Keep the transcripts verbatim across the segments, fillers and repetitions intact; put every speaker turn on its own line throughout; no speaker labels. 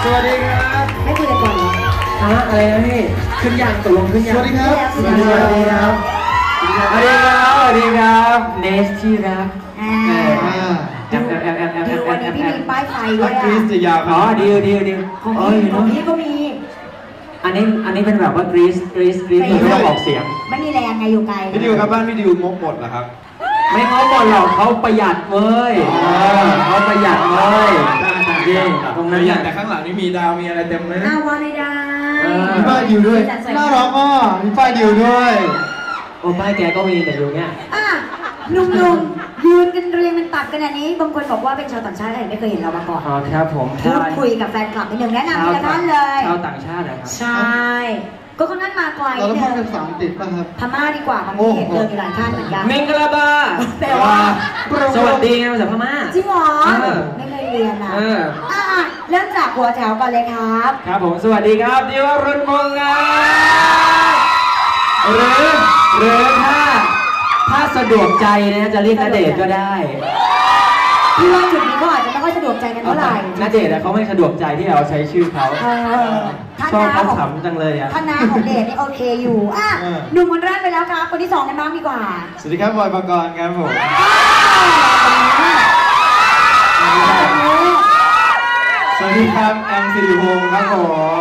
วัสดีครับ
ไม่คุยกันก่อนเหรอ
ฮะอะไรนะพี่ขึ้นยังตกลงขึ้นยัง
สวัสดีครับ
สวัสดีครับสวัสดีครับสวัสดีครับเนสที่รัก
อ่า
แอมแอมแอมแอมแอมแอม
วันนี้พี่มีป้ายไฟด้วยอ่ะ
กรีซจะยาว
อ๋อดีดีดี
ของพี่ของพี่ก็มี
อันนี้อันนี้เป็นแบบว่ากรีซกรีซกรีซไม่ต้องออกเสียง
ไม่มีแรงไงอยู่ไกล
พี่ดิวครับบ้านพี่ดิวงบหมดเหรอครับ
ไม่งบหมดหรอกเขาประหยัดเว้ยเขาประหยัดเว้ยจริงตรงนั้น
อย่างแต่ข้างหลังนี่มีดาวมีอะไรเต็มเลย
อ้าวว่าไม่ได้
มีป้ายดิวด้วยน่ารักอ่ะมีป้ายดิวด้วย
โอ้ป้ายแกก็มีแต่อยู่เนี้ย
อ่ะลุงลุงยืนกันเรียงเป็นตับกันอันนี้บางคนบอกว่าเป็นชาวต่างชาติไม่เคยเห็นเรามาก่อน
อ๋อครับผม
พูดคุยกับแฟนคลับนิดนึงแนะนำทีละท่านเลย
ชาวต่างชาตินะครับ
ใช่ก็ค่อนข้างมาไกล
เราต้องเป็นสามติดป่ะครับ
พม่าดีกว่าบางทีเห็นเจอมีหลายท่านเหมือนกัน
เมงกะลาบา
แปลว่า
สวัสดีไงภาษาพม่า
จริงเหรอไม่เคยเรียนนะอ่ะเริ่มจากหัวแถวก่อนเลยครับ
ครับผมสวัสดีครับดิวรุ่นมงครับหรือหรือถ้าถ้าสะดวกใจนะจะเรียกณเดชน์ก็ได้
พี่ว่าจุดนี้ก็อาจจะไม่ค่อยสะดวกใจกันเท่าไหร่
ณเดชน์เขาไม่สะดวกใจที่เราใช้ชื่อเขาชอบเขาขำจังเลยอ่ะ
ท่านนาของเดชนี่โอเคอยู่อ่ะหนุ่มคนแรกไปแล้วครับคนที่สองกันบ้างดีกว่า
สวัสดีครับบอยปกรณ์ครับผมสวัสดีครับแอมสิริพงศ์ครับผม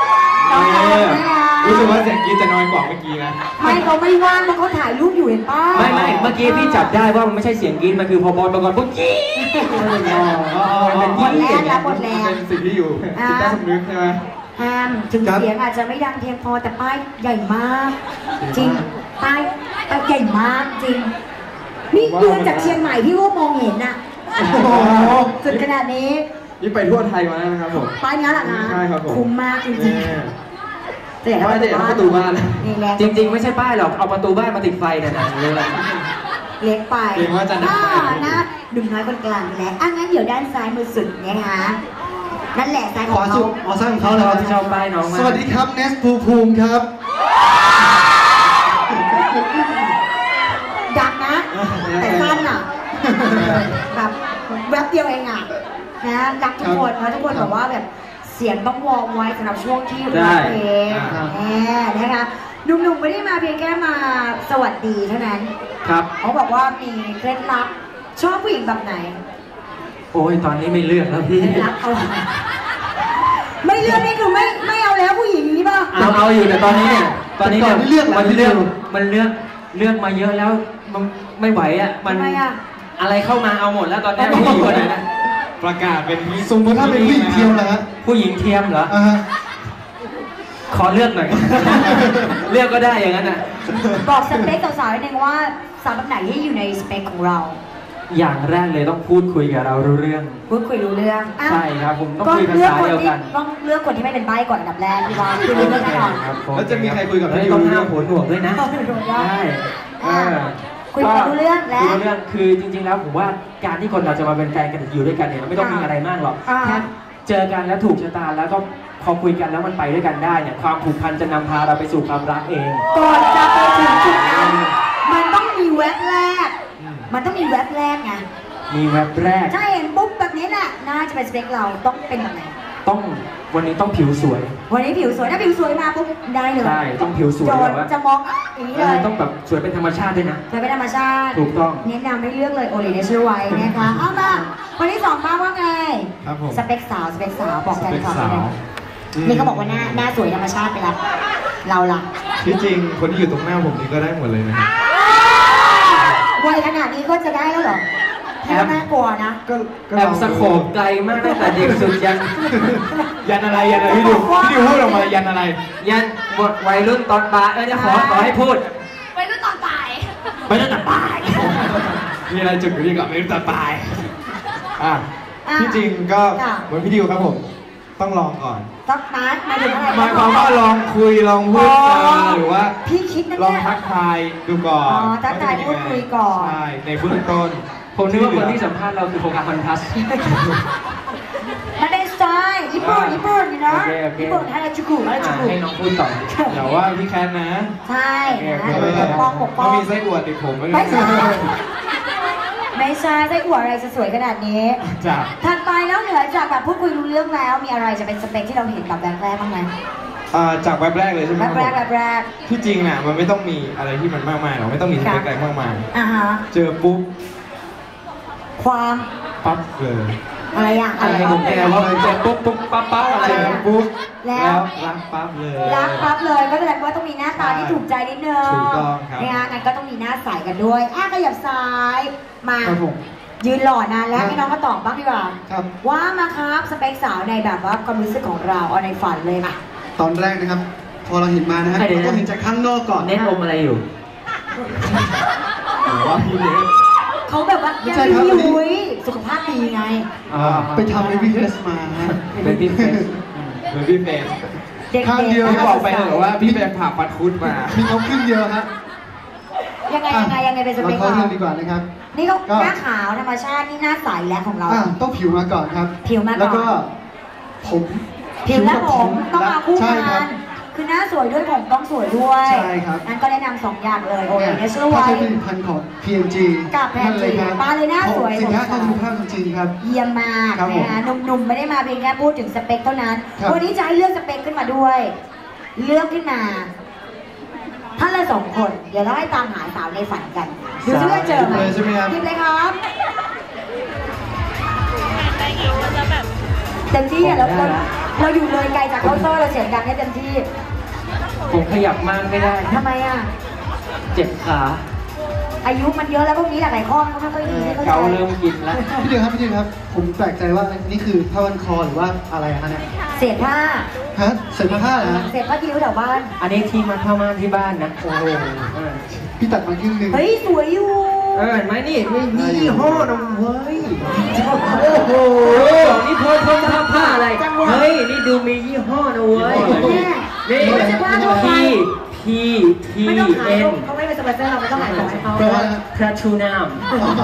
รู้สึกว่าเสียงกรี๊ดจะน้อยกว่าเมื่อกี้นะ
ไม่เขาไม่ว่างเพราะเขาถ่ายรูปอยู่เห็นป่ะ
ไม่ไม่เมื่อกี้พี่จับได้ว่ามันไม่ใช่เสียงกรี๊ดมันคือพอบอลปกรณ์ปุ๊บกรี๊ด
เป็นบทแรกแล้วบทแรก
เป็นสิ่งที่อยู่จิตใต้สำนึกใช่ไหม
แอมถึงเสียงอาจจะไม่ดังเพียงพอแต่ป้ายใหญ่มากจริงป้ายป้ายใหญ่มากจริงนี่ดูจากเชียงใหม่พี่ก็มองเห็นน่ะสุดขนาดนี้
นี่ไปทั่วไทยมาแล้วนะครับผม
ป้ายนี้แหละนะ
ใช่ครับผม
คุ้มมากจริงๆ
แต่ว่าจะเอาประตูบ้าน
จริงๆไม่ใช่ป้ายหรอกเอาประตูบ้านมาติดไฟเนี่ยนะเลย
เล็กไป
เล็กว่าจะหนักไป
นะดุมน้อยคนกลางไปแล้วอ่ะงั้นเดี๋ยวด้านซ้ายมือสุดนะคะนั่นแหละซ้ายของเขา
อ๋อซ้ายของเขาเลย
ที่ชอบป้ายน้องมา
สวัสดีครับเนสภูภูมิครับ
ดักนะแต่สั้นอ่ะแบบแวบเดียวเองอ่ะนะรักทุกคนนะทุกคนบอกว่าแบบเสียงต้องวอร์มไว้สำหรับช่วงที่ร้องเพลงแหมนะคะหนุ่มๆไม่ได้มาเพียงแค่มาสวัสดีเท่านั้น
ครับ
เขาบอกว่ามีเคล็ดลับชอบผู้หญิงแบบไหน
โอ้ยตอนนี้ไม่เลือกแล้วพี่
เคล็ดลับเอาไม่เลือกนี่คือไม่ไม่เอาแล้วผู้หญิงนี้ป่ะ
เอาเอาอยู่แต่ตอนนี้เนี่ยตอนนี้เนี่ยมันเลือกมันเลือกมันเลือกเลือกมาเยอะแล้วมันไม่ไหวอ่ะมันอะไรเข้ามาเอาหมดแล้วตอนนี้ผู้หญิงคนไหนนะ
ประกาศเป็นสมมติถ้าเป็นผู้หญิงเทียมนะฮะ
ผู้หญิงเทียมเหรอขอเลือกหน่อยเลือกก็ได้อย่างนั้นอ่ะ
บอกสเปคสาวๆนิดนึงว่าสาวแบบไหนที่อยู่ในสเปคของเรา
อย่างแรกเลยต้องพูดคุยกับเรารู้เรื่อง
พูดคุยรู้เรื่อง
ใช่ครับผมต้องคุยภาษาเดียวกัน
ต้องเลือกคนที่ไม่เป็นใบ้ก่อนอันดับแรกพี่ว่าคือรู้เรื่องแน่นอน
แล้วจะมีใครคุยกับ
พี่ต้องห้ามหัวหนวกด้วยนะใช่
คุยกันรู้เรื่องแล้ว
รู้เรื่องคือจริงๆแล้วผมว่าการที่คนเราจะมาเป็นแฟนกันอยู่ด้วยกันเนี่ยมันไม่ต้องมีอะไรมากหรอกแค่เจอกันแล้วถูกชะตาแล้วก็พอคุยกันแล้วมันไปด้วยกันได้เนี่ยความผูกพันจะนำพาเราไปสู่ความรักเอง
ก่อนจะไปถึงจุดนั้นมันต้องมีแวบแรกมันต้องมีแวบแรกไง
มีแวบแรก
ใช่เห็นปุ๊บแบบนี้แหละน่าจะเป็นสเปคเราต้องเป็นแบบไหน
ต้องวันนี้ต้องผิวสวย
วันนี้ผิวสวยถ้าผิวสวยมาปุ๊บได้เลย
ใช่ต้องผิวสวยแบบว่า
จะมองอย่างนี้เลย
ต้องแบบสวยเป็นธรรมชาติด้วยนะ
สวยเป็นธรรมชาติ
ถูกต้อง
แนะนำให้เลือกเลยโอเลเนเชอร์ไว้นะคะเอามาวันที่สองป้าว่าไงสเปคสาวสเปคสาวบอกแฟนคลับเลยนี่เขาบอกว่าหน้าหน้าสวยธรรมชาติไปแล้วเราล่ะ
ที่จริงคนที่อยู่ตรงหน้าผมนี่ก็ได้หมดเลยนะ
วัยขนาดนี้ก็จะได้แล้วเหรอแอบน่ากลัวนะ
แอบสะโขบไกลมากตั้งแต่เด็กสุดยัน
ยันอะไรยันอะไรพี่ดิวพี่ดิวพูดออกมายันอะไร
ยันหมดวัยรุ่นตอนปลายเออจะขอขอให้พูด
วัยรุ่นตอนปลาย
วัยรุ่นตอนปลาย
มีอะไรจุดอยู่ที่กับวัยรุ่นตอนปลายอ่ะที่จริงก็เหมือนพี่ดิวครับผมต้องลองก่อน
ต้องนัดมาถึงอะไร
หมายความว่าลองคุยลองพูดหรือว่า
พี่คิดนะ
ลองทักทายดูก่อน
อ๋อทักทายพูดคุยก่อน
ใช่ในเบื้องต้น
ผมนึกว่าคนที่สัมภาษณ์เราคือโฟกัสคอนทัส
มันเป็นสไตล์ญี่ปุ่นญี่ปุ่นนะญี่ปุ่นให้เราจุกุให้เราจุกุ
ให้น้องพูดต่อ
อย่าว่าพี่แคนนะ
ใช่
ปกป้องปกป้องมีไส้อวดติดผมไม่
ใช่ไม่ใช่ไส้อั่วอะไรจะสวยขนาดนี้จ้ะถัดไปแล้วเหนือจากแบบพูดคุยรู้เรื่องแล้วมีอะไรจะเป็นสเปคที่เราเห็นกับแบบแรกบ้างไหม
อ่าจากแบบแรกเลยใช่ไหม
แบบแรกแบบแรก
ที่จริงน่ะมันไม่ต้องมีอะไรที่มันมากมายหรอกไม่ต้องมีสเปคอะไรมากมาย
อ่าฮะ
เจอปุ๊บ
ความ
ปั๊บเลย
อะไรอ่ะ
อะไรผมแกว่าเจอปุ๊บปุ๊บปั๊บปั๊บอะไร
ปุ๊บ
แล้ว
รักปั๊บเลย
รักปั๊บเลยก็แสดงว่าต้องมีหน้าตาที่ถูกใจนิดนึง
ถูกต้องครับ
นะงั้นก็ต้องมีหน้าใสกันด้วยอ่ะขยับซ้ายมายืนหล่อนานแล้วให้น้องมาตอบบ้างดีกว่าว่ามาครับสเปคสาวในแบบว่าความรู้สึกของเราเอาในฝันเลยค่ะ
ตอนแรกนะครับพอเราเห็นมานะครับเราต้องเห็นจากข้างนอกก่อน
เน้นอมอะไรอยู่
ว่าพี่เล็ก
เขาแบบว่ายังดีอยู่สุขภาพดีไง
ไปทำเบบี้เฟสมา
เบบี้เฟส
เบบี้เฟส
ข้างเดียว
พี่บอกไปเหรอว่าพี่ไปผ่าฟันคุดมา
มีเขาขึ้นเยอะฮะ
ยังไงยังไงยังไงเป็นสเปค
เราเข้าเรื่องดีกว่านะครับ
นี่เขาหน้าขาวธรรมชาตินี่หน้าใสแล้วของเรา
ต้องผิวมาก่อนครับ
ผิวมาก่อน
แล้วก็ผม
ผิวและผมต้องมาคู่กันคือหน้าสวยด้วยผมต้องสวยด้วย
ใช่ครับ
งั้นก็แนะนำสองอย่างเลยโอเคเนเชอร์ไวท์
ถ้าใช้ผลิตภัณฑ์ของ พี เอ็น จี
กับ พี เอ็น จี มาเลยหน้าสวย
สินค้าคุณภาพจริงๆครับ
เยี่ยมมากนะคะหนุ่มๆไม่ได้มาเพียงแค่พูดถึงสเปคเท่านั้นวันนี้จะให้เลือกสเปคขึ้นมาด้วยเลือกขึ้นมาท่านละสองคนเดี๋ยวเราให้ตามหาสาวในฝันกันดูซิว่าเจอไหม
ใช่ไหมครับ
ทิปเลยครับเต็มที่อ่ะแล้วเราอยู่เลยไกลจากเคาน์เตอร์เราเสียงดังให้เต็มที่
ผมขยับมากไม่ได้
ทำไมอ่ะ
เจ็บขา
อายุมันเยอะแล้วพวกนี้หลายๆข้อมันก็ไม่ค่อยดี
เกาเริ่มกินแล้ว
พี่เดียวครับพี่เดียวครับผมแปลกใจว่านี่คือผ้าพันคอหรือว่าอะไรฮะเนี่ย
เศษผ้า
ฮะเศษผ้าเหรอ
เศษผ้าที่อยู่แถวบ้าน
อันนี้ที่มาเข้ามาที่บ้านนะโอ้โห
พี่ตัดมาครึ่งนึง
เฮ้ยสวยอยู่
เออเห็นไหมนี่มียี่ห้อนะเฮ้ยโอ้โหนี่พอพอผ้าผ้าอะไรเฮ้ยนี่ดูมียี่ห้อนะเว้ยนี่พีพีพีเอ็น
เขาไม่เป็นสปอนเซอร์เราไม่ต้องขายของให้เขา
พระชูน้ำ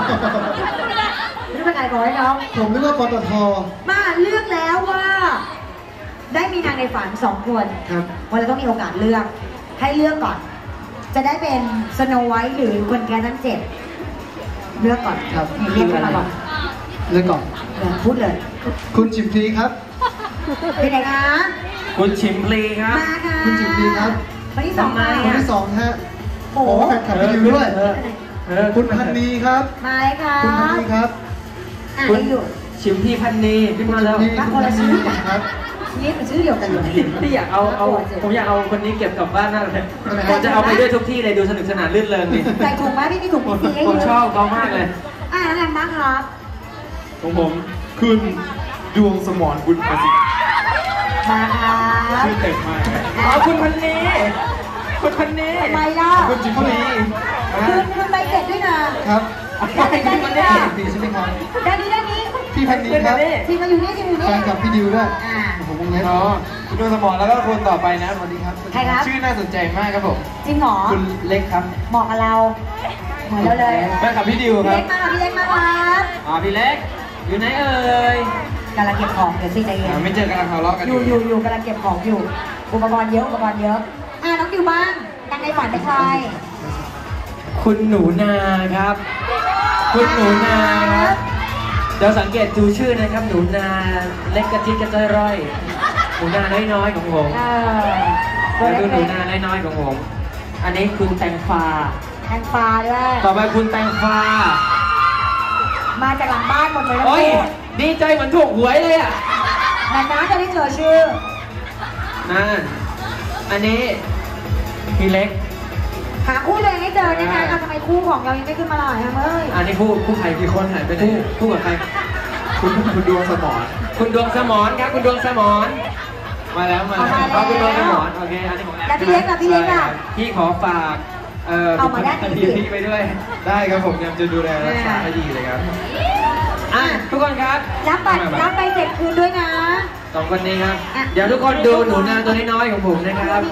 ไม่ต้องขายของให้เขา
ผมนึกว่าปตท
มาเลือกแล้วว่าได้มีนางในฝันสองคนวันเราต้องมีโอกาสเลือกให้เลือกก่อนจะได้เป็นสโนไวท์หรือคนแก่ทั้งเจ็ดเลือกก่อน
ครับ
เรียกมาก่อน
เลือกก่อน
พูดเลย
คุณชิมพลีครับ
เป็นไงคะ
คุณชิมพลีครับ
มาค่ะ
คุณชิมพลีครับ
คนที่สองมา
คนที่สองฮะโอ้แข่งขันไปอยู่ด้วยคุณพันนีครับ
มาเลยค่ะ
คุณพันนีครับ
คุณ
ชิมพี่พันนีขึ้นมาแล้ว
รักคนละชื่อครับนี่เป็นชื่อเดียวกันเลย
พี่อยากเอาเอาผมอยากเอาคนนี้เก็บกลับบ้านมากเลยผมจะเอาไปด้วยทุกที่เลยดูสนุกสนานลื่นเริงนี่
ใส่ถุงไหมพี่มีถุงพี่
ผมชอบเขามากเลย
อ่าอะไรบ้างครับ
ของผมคุณดวงสมรบุญประสิทธิ์
มาครับ
ชื่อเต็มมาก
อ๋อคุณพันนีคุณพันนี
ทำไมล่ะ
คุณจิมมี่
คุณคุณใบเสร็จด้วยนะครับได้ได้ได้ได้
ใช่ไหมครับ
ได้นี้ได้นี้
พี่พันนีครับ
ทีมาอยู่นี่ทีมาอยู่นี่
แฟนกับพี่ดิวด้วย
ผมวงเล็บคุณดวงสมรแล้วก็คนต่อไปนะสวัสดีครับ
ใครครับ
ชื่อน่าสนใจมากครับผม
จริงเหรอ
คุณเล็กครับ
เหมาะกับเราเหมือนเราเลย
แฟนกับพี่ดิวครับ
พี่เล็กมาพี่เล็กมาครับ
อ๋อพี่เล็กอยู่ไหนเอ่ย
กำลังเก็บของเดี๋ยวสิใจเย็น
ไม่เจอกันทะเลาะกัน
อยู่อยู่อยู่กำลังเก็บของอยู่อุปกรณ์เยอะอุปกรณ์เยอะอ่ะน้องดิวบ้างนางในฝันเป็นใคร
คุณหนูนาครับคุณหนูนาครับเดี๋ยวสังเกตดูชื่อนะครับหนูนาเล็กกระจิตกระจ้อยร่อยหนูนาน้อยๆของผมแล้วดูหนูนาน้อยๆของผมอันนี้คุณแตงฟ้า
แตงฟ้าด้วย
ต่อไปคุณแตงฟ้า
มาจากหลังบ้านหมดเลยนะ
โอ้ยดีใจเหมือนถูกหวยเลยอ่ะ
นานๆจะได้เจอชื่อ
นั่นอันนี้พี่เล็ก
หาคู่เลยให้เจอได้ไงทำไมคู่ของเรายังไม่ขึ้นมาหล่อเฮ้ย
อันนี้คู่คู่ใครกี่คนหายไปไหนคู่กับใคร
คุณคุณดวงสมร
คุณดวงสมรครับคุณดวงสมรมาแล้วมาแล้วคุณดวงสมรโอเคอันนี้ของ
แล้วพี่เล็กอ่ะพี่เล็กอ่ะ
พี่ขอฝากเอ่อ
เอามาได้
พี่พี่ไปด้วย
ได้ครับผมยังจะดูแลรักษาให้ดีเลยครับ
อ่ะทุกคนครับ
รับบัตรรับไปเสร็จคืนด้วยนะ
สองคนนี้ครับเดี๋ยวทุกคนดูหนูนาตัวน้อยๆของผมนะครับ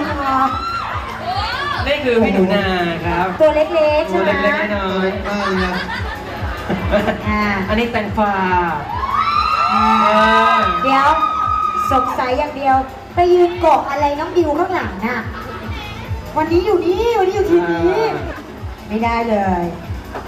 นี่คือพี่หนูนาครับ
ตัวเล็กๆใช่
ไหมตัวเล็กๆน้อยๆอันนี้แตงฟ้า
เดี๋ยวสงสัยอย่างเดียวไปยืนเกาะอะไรน้องดิวข้างหลังน่ะวันนี้อยู่นี่วันนี้อยู่ที่นี้ไม่ได้เลย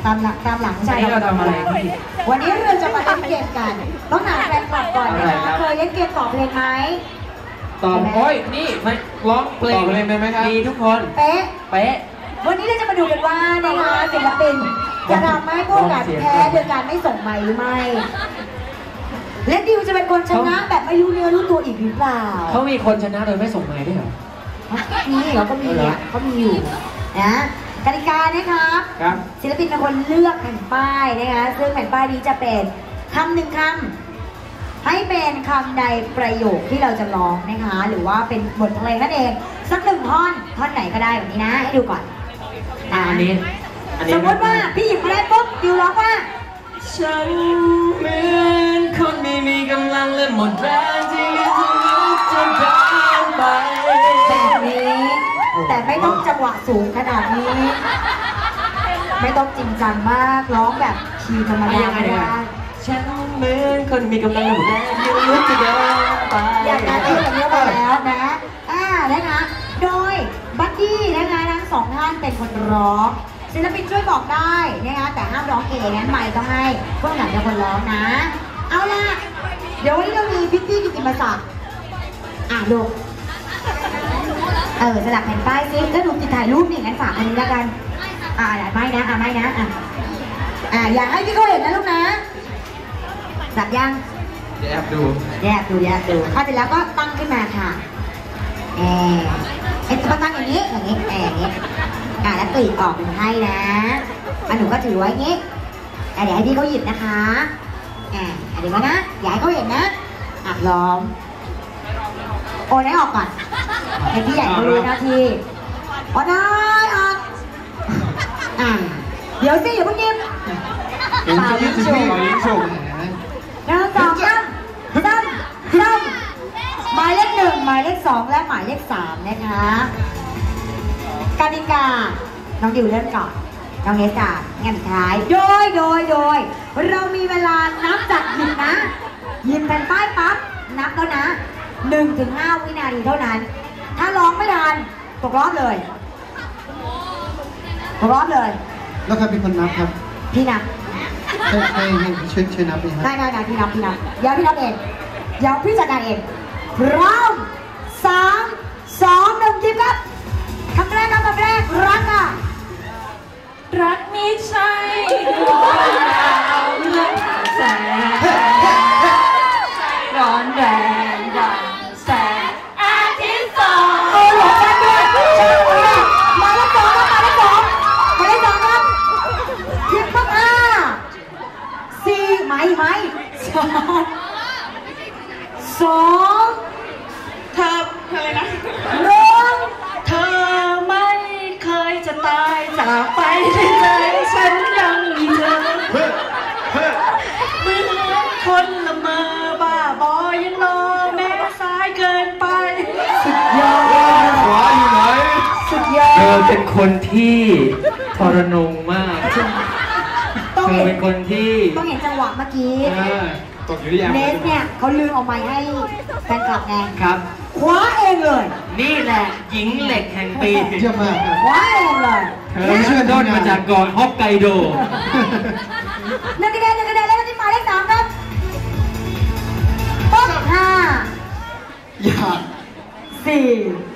ตามหลังตามหลัง
ใช่เราทำอะไรพี่
วันนี้เราจะมาเล่นเกมกันต้องถามแฟนคลับก่อนนะคะเคยเล่นเกมตอบเพลงไหม
ตอบโอ้ยนี่ไม่ร้องเพลง
ตอบเพลงได้ไหมครับ
มีทุกคน
เป๊ะ
เป๊ะ
วันนี้เราจะมาดูกันว่านะคะศิลปินจะทำให้พวกกันแพ้โดยการไม่ส่งไมค์หรือไม่และดิวจะเป็นคนชนะแบบไม่รู้เนื้อรู้ตัวอีกหรือเปล่า
เขามีคนชนะโดยไม่ส่งไม้ด้วยเหรอ
นี่เขาก็มีอ่ะเขามีอยู่นะกติกานะครับ
ครับ
ศิลปินเป็นคนเลือกแผ่นป้ายนะคะซึ่งแผ่นป้ายนี้จะเป็นคำหนึ่งคำให้เป็นคำใดประโยคที่เราจะร้องนะคะหรือว่าเป็นบทเพลงนั่นเองสักหนึ่งท่อนท่อนไหนก็ได้แบบนี้นะให้ดูก่อน
อ่ะอันนี้อันนี้
สมมติว่าพี่หยิบมาได้ปุ๊บดิวร้องว่า
ฉันเหมือนคนไม่มีกำลังและหมดแรงที่จะลุกจนทางไป
แบบนี้แต่ไม่ต้องจังหวะสูงขนาดนี้ ไม่ต้องจริงจังมากร้องแบบคีย์ธรรมดาก็ได้
ฉันเหมือนคนมีกำลังและหมดแรงที่ลุกจะเดินไป
อยากการเต้นแบบนี้มาแล้วนะอ่านะคะโดยบัดดี้นะคะทั้งสองท่านเป็นคนร้องศิลปินช่วยบอกได้นะคะแต่ห้ามร้องเองงั้นไม่ต้องให้พวกหนังเป็นคนร้องนะ เอาล่ะเดี๋ยววันนี้เรามีพิตตี้กิตติมศักดิ์อ่ะลูกเออสลับแผ่นป้ายซิแล้วหนูติดถ่ายรูปนี่งั้นฝากอันนี้แล้วกันอ่าไม่นะอ่ะไม่นะอ่ะอ่าอยากให้พี่เขาเห็นนะลูกนะสับยัง
เดี๋ยวแอบดู
แยกดูแยกดูถ้าเสร็จแล้วก็ตั้งขึ้นมาค่ะแอบเอ็นจะตั้งอย่างนี้อย่างนี้แอบอย่างนี้อ่าแล้วกรีดออกเป็นให้นะอ่ะหนูก็ถือไว้อย่างนี้อ่ะเดี๋ยวให้พี่เขาหยิบนะคะอ่าเดี๋ยวนะอย่าให้เขาเห็นนะอับล้อมโอนให้ออกก่อนให้พี่ใหญ่เขารู้หน้าที่โอนได้ออกอ่าเดี๋ยวสิอย่าเพิ่งหยิบ
เห็นจะยืดสิพี่เรายิ้มฉุก
หนึ่งสองสามสามสามหมายเลขหนึ่งหมายเลขสองและหมายเลขสามนะคะกติกาน้องดิวเริ่มก่อนน้องเนสก่อนงานสุดท้ายโดยโดยโดยเรามีเวลานับจากหยิบนะหยิบแผ่นป้ายปั๊บนับแล้วนะหนึ่งถึงห้าวินาทีเท่านั้น ถ้าร้องไม่ทันตกรอบเลยตกรอบเลย
แล้วใครเป็นคนนับครับ
พี่นับ
ให้ให้ให้ช่วยช่วยนับเลยครับ
ได้ได้ได้พี่นับพี่นับเดี๋ยวพี่นับเองเดี๋ยวพี่จัดการเองพร้อมสามสองหนึ่งจิบครับคำแรกครับคำแรกรักอ่ะ
รักไม่ใช่ดวงดาวเลือดแสงร้อนแรงดังแสงอาทิตย์ส่อง
โอ้หลงกันด้วยมาแล้วสองครับมาแล้วสองมาแล้วสองครับจิบปั๊บอ่ะสี่ไหมไหมสองสองเธออะไรนะหนึ่ง
เธอไม่เคยจะตายจากไปที่ใจฉันยังมีเธอเหมือนคนละเมอบ้าบอยังรอแม้สายเกินไป
สุดยอด
ขวาอยู่ไหน
สุดยอด
เธอเป็นคนที่ทรนงมาก
ต้อง
เธอ
เห็น
เป็นคนที่
ต้องเห็นจังหวะเมื่อกี้
เออตกอยู่ที่ยาม
เนสเนี่ยเขาลืมเอาไม้ให้แฟนคลับไง
ครับ
คว้าเองเลย
นี่แหละหญิงเหล็กแห่งปี
เยี่ยมมากครับ
คว้าเองเลย
เธอเชื่อต้นมาจากเกาะฮอกไกโด
หนึ่งคะแนนหนึ่งคะแนนแล้วก็ที่หมายเลขสามครับปุ๊บห้า
อยาก
สี่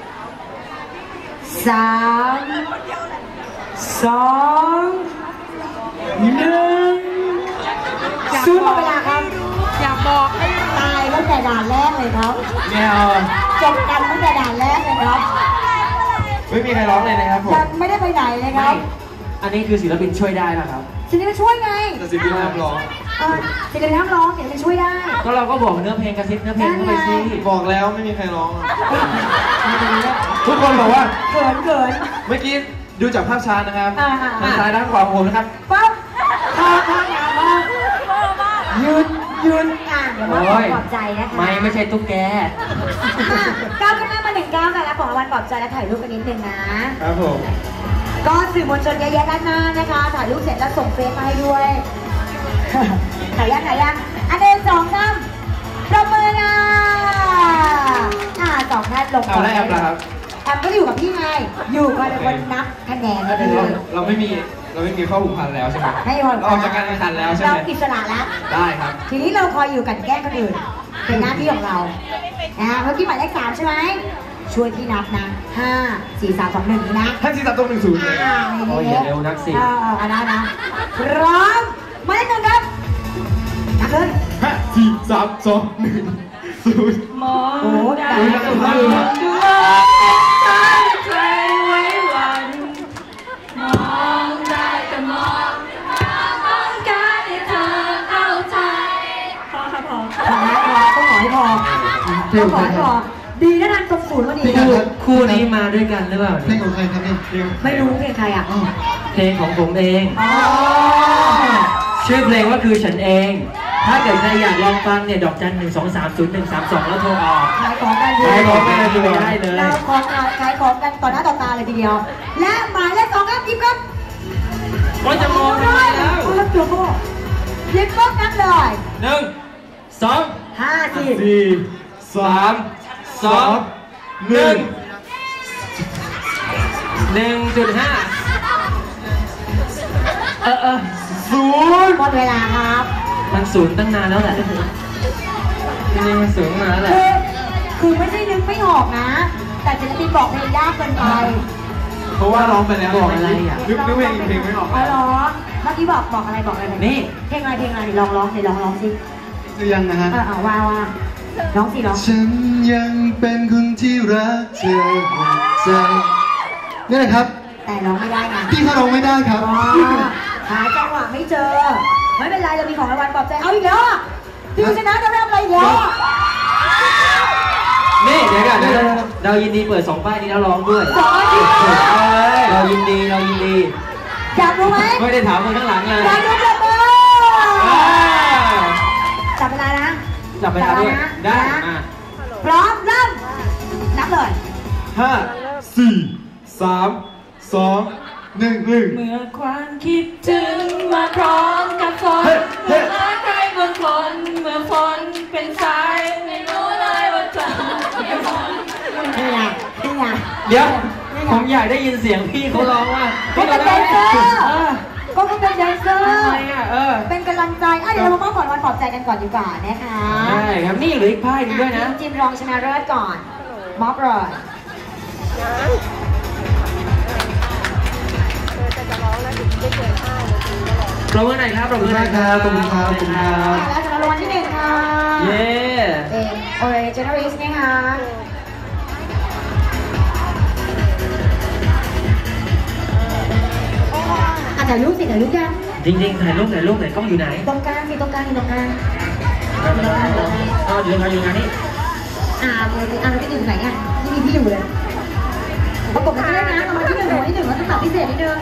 สามสองหนึ่งศูนย์หมดเวลาครับ
อยากบอกให้
ตายตั้งแต่ด่านแรกเลยครับ
แมว
จบกันตั้งแต่ด่านแรกเลยครับ
ไม่มีใครร้องเลยนะครับผม
ยังไม่ได้ไปไหนเลยค
ไม่
รับ
อันนี้คือศิลปินช่วยได้ป่ะครับ
ศิลปินช่วยไง
แต่สิ่งที่ห้ามร้อง
เออศิลปินห้ามร้องศิลปินช่วยได้
ก็เราก็บอกเนื้อเพลงกระซิบเนื้อเพลงเข้าไปสิ
บอกแล้วไม่มีใครร้องอะทุกคนบอกว่า
เกินเกิน
เมื่อกี้ดูจากภาพช้านะครับ
อ่าอ่า
ทางซ้ายด้านขวาของผมนะครับ
ปั๊บพอพองามมากยืนยืนอ่านเดี๋ยวมาขอปลอบใจนะคะ
ไม่ไม่ใช่ตุ๊กแก
ก้าวขึ้นหน้ามาหนึ่งก้าวกันแล้วของรางวัลปลอบใจและถ่ายรูปกันนิดนึงนะ
ครับผม
ก็สื่อมวลชนเยอะแยะด้านหน้านะคะถ่ายรูปเสร็จแล้วส่งเฟซมาให้ด้วย ถ่ายยังถ่ายยังอันเดินสองสามประเมินอ่ะอ่าสองท่านลง
เอาแล้วแอปล่ะครับ
แอปก็อยู่กับพี่ไงอยู่ก็เป็นคนนับคะแนนให้
เรา
ด้วย
เราไม่มีเราไม่มีข้อผูกพันแล้วใช่ไหม
ให้ผ่อน
เราออกจากการแข่งขันแล้วใช่ไหม
เราอิสระแล้ว
ได้ครับ
ทีนี้เราคอยอยู่กันแกล้งคนอื่นเป็นหน้าที่ของเรานะฮะเมื่อกี้หมายเลขสามใช่ไหมช่วยพี่นับนะห้าสี่สามสองหนึ่งนะ
ท่านที่ตัดตรงหนึ่งศูนย์เลย
อ่า
โอ้ยอย่าเร็วนักสิ
เออเอานะนะพร้อมหมายเลขหนึ่งครับนับเลย
ห้าสี่สามสองหนึ่งศูนย์
โอ้โหได้
ดูนะดูนะดูนะ
ตั้งใจไว้วันมองได้แต่มองต้องการให้เธอเอาใจพอค่ะพอ
พอนะพอต้องขอให้พอต้องขอให้พอดีนะทันตรงศูนย์พอดี
คู่คู่นี้มาด้วยกันหรือเปล่า
เพลงของใครครับเนี่ย
ไม่รู้เพลงใครอ่ะ
อ้าว
เพลงของผมเอง
อ๋อ
ชื่อเพลงว่าคือฉันเอง ถ้าเกิดใครอยากลองฟังเนี่ยดอกจันหนึ่งสองสามศูนย์หนึ่งสามสองแล้วโทรออก
ขายของกัน
ใช้ของไม่ได้ดูได้เลย
เราของขายของกันต่อหน้าต่อตาเลยทีเดียว และหมายเลขสองครับยิบครับ
ก็จะมองทำไมแล้ว
โอ้ยตัวโบ้ยิบปุ๊บนับเลย
หนึ่งสอง
ห้าสี่
สี่สามสองหนึ่ง
หนึ่งจุดห้าเออเออ
ศูนย์
หมดเวลาครับ
มันศูนย์ตั้งนานแล้วแหละจริงๆมันศูนย์มาแล้วแหละ
คือคือไม่ใช่นึกไม่ออกนะ แต่ศิลปินบอกเพลงยากเกินไป
เพราะว่าร้องไปแล้ว
บอกอะไรอ่ะ
นึกนึกเพลงอีกเพลงไม่ออก
อ๋อเหรอเมื่อกี้บอกบอกอะไรบอกอะไร
นี่
เพลงอะไรเพลงอะไรลองร้องสิลองร้องสิ
หรือยังนะฮะ
เออเอาว่าว่าร้องสิร้อง
ฉันยังเป็นคนที่รักเธอหัวใจนี่แหละครับ
แต่ร้องไม่ได้ไง
พี่เขาร้องไม่ได้ครับ
อ๋อหาจังหวะไม่เจอ ไม่เป็นไรเรามีของรางวัลปลอบใจเอาอีกแล้วอ่ะพี่ชนะจะทำอะไรอีกแล้วอ่ะ
นี่เดี๋ยวก่อนนะเรายินดีเปิดสองป้ายนี้แล้วร้องด้วย
สองอาทิตย์
เรายินดีเรายินดี
อยากรู้ไหม
ไม่ได้ถามคนข้างหลังเลย
อยากรู้จับมือ
อ่า
จับเวลานะ
จับเวลาด้วย
นะ
ได้
นะ
อ่ะ
พร้อมเริ่มนับเลย
ห้าสี่สามสองหนึ่งหนึ่ง
เมื่อความคิดถึงมาพร้อมกับฝน
เฮ้ยเฮ้
เมื่อย ใครบางคนเมื่อฝนเป็นสายไม่รู้เลยว่าจะมีฝน
นี่ไงนี่ไง
เดี๋ยวผมอยากได้ยินเสียงพี่เขาร้องว่า
ก็เป็นแดนเซอร์
เออ
ก็เป็นแดนเซอร์
ทำไมอ่ะเออ
เป็นกำลังใจอ่ะเดี๋ยวเรามามอบของรางวัลปลอบใจกันก่อนดีกว่านะคะ
ได้ครับนี่เหลืออีกป้ายหนึงด้วยนะ
ทีมจิมรองชนะเลิศก่อน มอบเลย
ปรบมือหน่อยครับปรบมือหน่อยครับ
ขอบคุณครับขอบคุณครับ
แล้วสำหรับรางวัลที่หนึ่งค่ะ
เย้
เป็นโอเรเจนอริสนะคะอ่ะถ่ายรูปสิถ่ายรูปยัง
จริงๆถ่ายรูปถ่ายรูปไหนกล้องอยู่ไหน
ตรงกลางสิตรงกลางอยู่ตรงกลาง
อ๋ออยู่ทางอยู่ทางนี้
อ่าเลยสิอ่าที่หนึ่งไหนอ่ะที่มีพี่อยู่เลยประกบกันด้วยนะรางวัลที่หนึ่งรางวัลที่หนึ่งเราต้องตัดพิเศษนิดนึง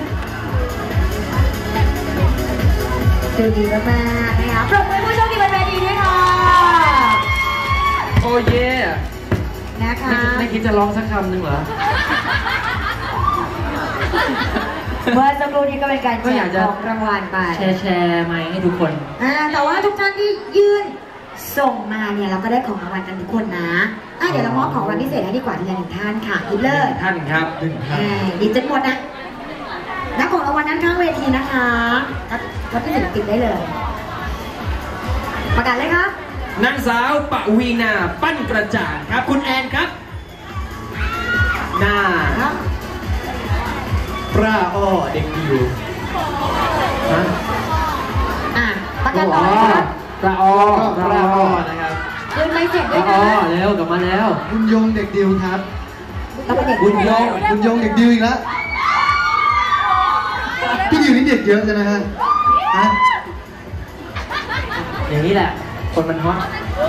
ดูดีมากๆนะคะปรบมือผู้โชคดีบนเวทีด้วยค่ะ
โอ้เย่
นะคะ
ไม่ไม่คิดจะร้องสักคำหนึ่งเหรอ
เมื่อสักครู่นี้ก็เป็นการ
ก็
แจ
อยาก
ก
จะ
ของรางวัลไป
แชร์แชร์ไหมให้ทุกคน
อ่าแต่ว่าทุกท่านที่ยื่นส่งมาเนี่ยเราก็ได้ของรางวัลกันทุกคนนะอ่ะเดี๋ยวเรามอบของรางวัลพิเศษให้ดีกว่าทีละหนึ่งท่านค่ะหยิบเลย
ท่านครับ
อ่าหยิบจนหมดนะนักของรางวัลนั้นข้างเวทีนะคะก็ก็ที่ศิลปินได้เลย ประกาศเลยครับ
นางสาวปวีนาปั้นกระจ่างครับ คุณแอนครับหน้า
ครับ
ปลาอ้อเด็กดิว
ฮะ
อ่ะประกาศต่อเลยครับ
ปลาออปลาออนะครับ
เดินไปเสร็จ
ป
ด้ว
ลาย อ
นะ
อเร็วกลับมาแล้ว
บุญยงเด็กดิวครับ
เราเป็นเด็ก
บุญยง
บุญยงเด็กดิวอีกแล้วพี่ดิวนี่เด็กเยอะใช่ไหมฮะฮะ
อย่างนี้แหละ คนมันฮอต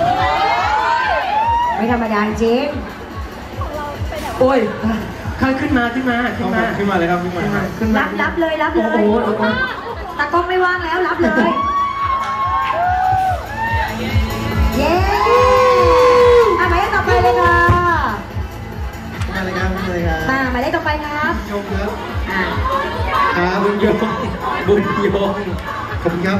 ไม่ธรรมดาจริง
โอ้ยขึ้นขึ้นมาขึ้นมาขึ้นมา
ขึ้นมาเลยครับขึ้นมา
ขึ้นมาขึ้นมา
รับรับเลยรับเลย
โอ้โหโอ้โห
ตากล้องไม่ว่างแล้วรับเลย เย้อ่ะหมายเลขต่อไปเลยค่ะ
มาเลยครับมาเลยครับ
มาหมายเลขต่อไปครับ
ยงครับ
อ่ะ
ครับ
บุญยงบุญยง
ขอบคุณครับ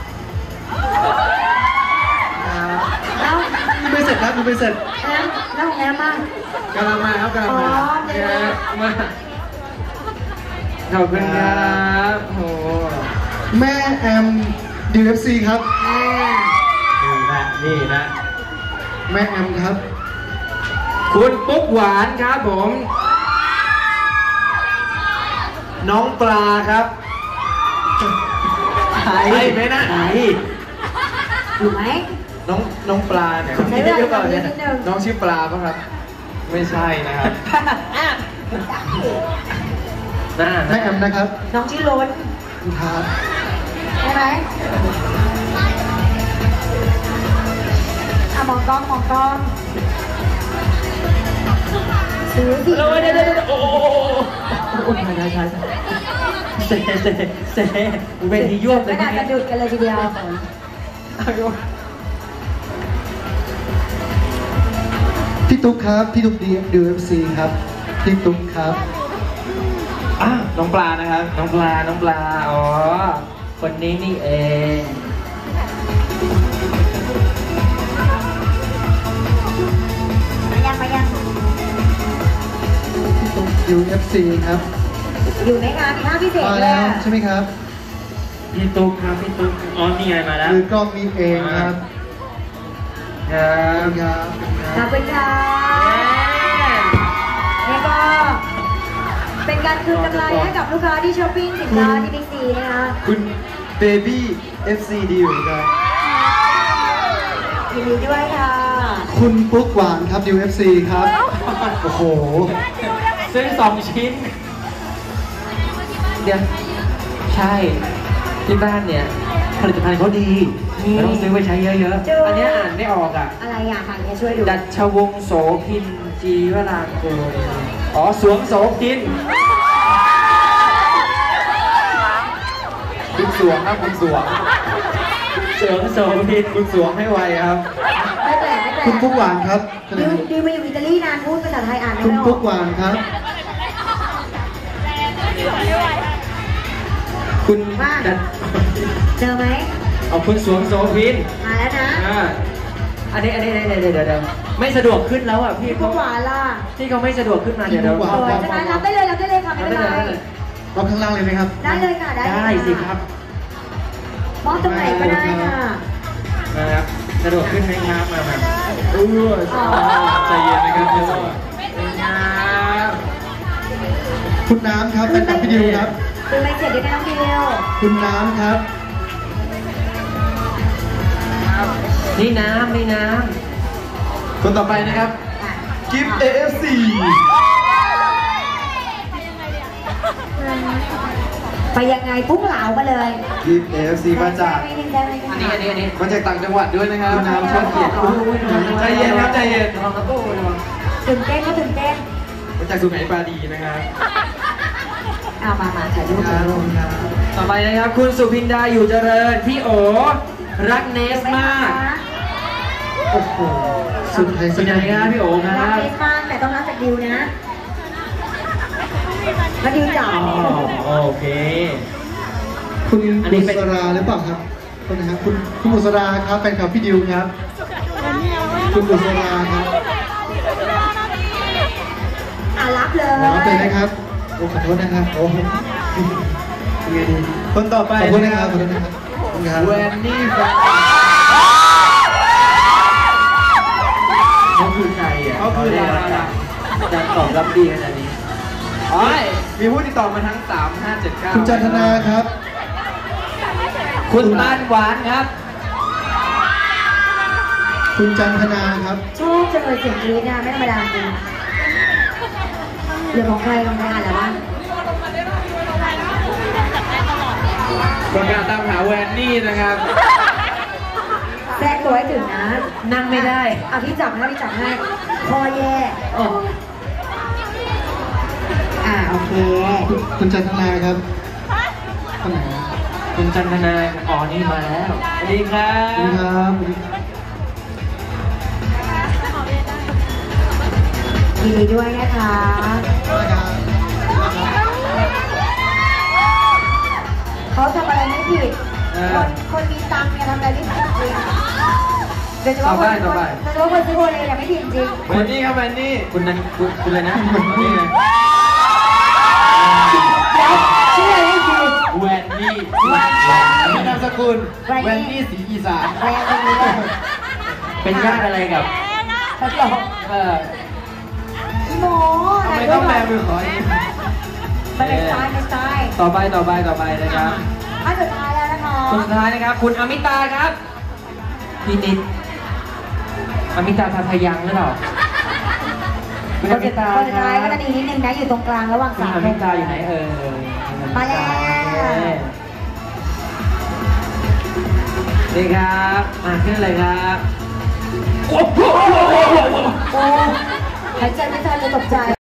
แล้ว
ดูไปเสร็จครับดูไปเสร็จ
แล้วแล้วของแอมบ้าง
กำลังมาครับกำลัง
อ๋อ
มา
เดี๋ยว
มาขอบคุณครับโอ้
แม่แอม ดี เอฟ ซี ครับ
นี่นะนี่นะ
แม่แอมครับ
คุณปุ๊กหวานครับผม
น้องปลาครับ
ใครไหมนะใคร
อยู่ไหม
น้องน้องปลาเนี่ย
ใช้เวลาอีกนิดนึง
น้องชื่อปลาป่ะครับ ไม่ใช่นะครับ
น่า
แม่แอมนะครับ
น้องชื่อล้น
ครับ
ใช่ไหมอ่ะมองกล้องมองกล้องซื้อสิ
เราเดี๋ยวเดี๋ยวโอ้โหโอ้ใช่ใช่ใช่เซ่เซ่เซ่เวทียวบเล
ไม่
ย
น่าจะดุดกันเลยทีเดียว
พี่ตุ๊กครับ พี่ตุ๊ก ดี เอฟ ซี ครับ พี่ตุ๊กครับ
อ่ะน้องปลานะครับ
น้องปลา น้องปลา อ๋อ คนนี้นี่เอง
มายังมายัง
พี่ตุ๊ก ยู เอฟ ซี ครับ
อยู่ไหมคะมีท่าพิเศษ
มา
ด้ว
แล้
ยว
ใช่ไหมครับ
พี่ตุ๊กครับ พี่ตุ๊ก อ๋อ นี่ไงมาแล้ว
มือกล้องนี่เองครับ
ครั
ขอบบ คุณครับขอบคุณครับ
ขอบคุณค่ะนี่ก็เป็นการคืนกำไรให้กับลูกค้าที่ช้อปปิ้งสินค้าที่บิ๊กซีนะคะ
คุณเบบี้ เอฟ ซี ดี อยู่ครับ
ยินดีด้วยค่ะ
คุณปุ๊กหวานครับ ดี เอฟ ซี ครับ โอ้โห
ซื้อสองชิ้น เดี๋ยว ใช่ ที่บ้านเนี่ย ผลิตภัณฑ์เขาดีเราต้องซื้อไว้ใช้เยอะๆ อันนี้อ่านไม่ออกอ่ะ
อะไรอ่ะค่ะเนี่ยช่วยดู
ดัชวงศ์โสพินจีวรางกูลอ๋อ สวงโสพิน
คุณสวงครับคุณสวง
สวงโสพิน
คุณสวงให้ไวครับ
ไม่แปลกไม่แปลก
คุณปุ๊กหวานครับ
ดิวดิวมาอยู่อิตาลีนานพูดภาษาไทยอ่าน
คุณ
ไม่ออ
ปุ๊
ก
กหวานครับ
คุณ
ว่า
ดัช
เจอไหม
เอาคุณสวงโสพิน
มาแล้วนะ
อ่าอันนี้อันนี้เดี๋ยวเดี๋ยวเดี๋ยวไม่สะดวกขึ้นแล้วอ่ะพี่
พี่
เขา
หวานล่ะ
ที่เขาไม่สะดวกขึ้นมาเดี๋ยวเดี๋ยว
พี่
สวยใช่ไหมรับได้เลยรับได้เลยค่ะไม่เป็นไร
รับข้างล่างเลยไหมครับ
ได้เลยค่ะได้เลย
ได้สิครับ
มองตรงไหนก็ได้ค่ะ
นะครับสะดวกขึ้นไหมครับมาแบบ
เออใจเย็นนะครับพี่สวง
ครับ
คุณน้ำครับแฟนคลับพี่ดิวครับ
คือไม่เสร็จด้วยนะน้องดิว
คุณน้ำครับ
นี่น้ำนี่น้
คนต่อไปนะครับ กิฟต์ เอ เอฟ ซี
ไปยังไงพุ่งเหลามาเลย
กิฟต์ เอ เอฟ ซี มาจาก
ไม่ได้ไม่ได้
ำอันนี้อันนี้อันนี้
มาจากต่างจังหวัดด้วยนะครับ
น้ำชอบเกียรติ
ใจเย็นครับใจเย็น
ระวังครับโอ้ระวัง
ตื่นเต้นก็ตื่นเต้น
มาจากสุไหงปราดีนะครับ
เอามามาถ่ายรูปถ่ายรูป
ต่อไปนะครับ คุณสุพินดาอยู่เจริญ พี่โอ รักเนสมาก โอ้โห สุดสุดยังไงครับพี่โอค
รั
รั
ก
บ
เนสมากแต่ต้องรับจากดิวนะมาดิวจ๋า
อ๋อโอเค
คุณ
อันนี้
บุ
เป็น
ษราหรือเปล่าครับคนนะครับคุณคุณบุษราครับแฟนคลับพี่ดิวครับ คุณบุษราครับ
อ่ะรับเลย
รับเลยนะครับโอ้ขอโทษนะครับโอ้ยังไงดี
คนต่อไป
ขอบคุณนะ
นะ
ค
ค
รั
รั
บบ ขอบคุณนะครับขอบคุณครับ
แวนนี่แฟน
เขาคือใครอ่ะ
เขาคือดารา
จะตอบรับดีขนาดนี้
อ๋อมีผู้ติดต่อมาทั้ง สาม ห้า เจ็ด เก้า
คุณจันทนาครับ
คุณบ้านหวานครับ
คุณจันทนาครับ
ชอบจังเลยเสียงกรี๊ดนะไม่ธรรมดาจริงเรื่องของใครของใครอ่านแล้ววะ
ประกาศตามหาแวนนี่นะครับ
แทรกตัวให้ถึงนะ
นั่งไม่ได้
อ่ะพี่จับให้พี่จับให้คอแย่
โอ้
อ่ะโอเค
คุณคุณจันทนาครับคนไหน
คุณจันทนาอ๋อนี่มาแล้ว สวัสดีครั
สวัสดี
บ
ครับสวัสดีครับ
ยินดีด้วยนะคะ เขาทำอะไรไม่ผิด
เออ
คนคนมีตังค์เนี่ยทำอะไรไม่ผิดจริงโดยเฉพาะ
ต่อ
ค
ไป
น
ต่อไป
โดยเฉพาะคนซื้อโอเลเนี่ยไม่ผิดจริง
แวนนี่ครับแวนนี่
คุณนั้นคุณคุณอะไรนะนี่ไง
เดี๋ยว
แวนนี่นามสกุลแวนนี่สีอีสาน
แรงตรงนี้เลย
เป็นญาติอะไรกับ
ตลก
เออ
หมอ
ทำไมต้องแบมือขออีก
ไม่เป็นสไตล์เป็นสไตล์
ต่อไปต่อไปต่อไปนะครับ
อันสุดท้ายแล้วนะคะ
คนสุดท้ายนะครับ คุณอมิตาครับพี่นิดอมิตาทาทายังหรือเปล่าคุณอมิตา
คนสุดท้ายก็จะดีนิดนึงนะอยู่ตรงกลางระหว่าง
คุณ
สาม
อมิตาอยู่ไหนเออ
มาแล้ว
นี่ครับมาขึ้นเลยครับ
โอ้หายใจไม่ทันเลยตกใจ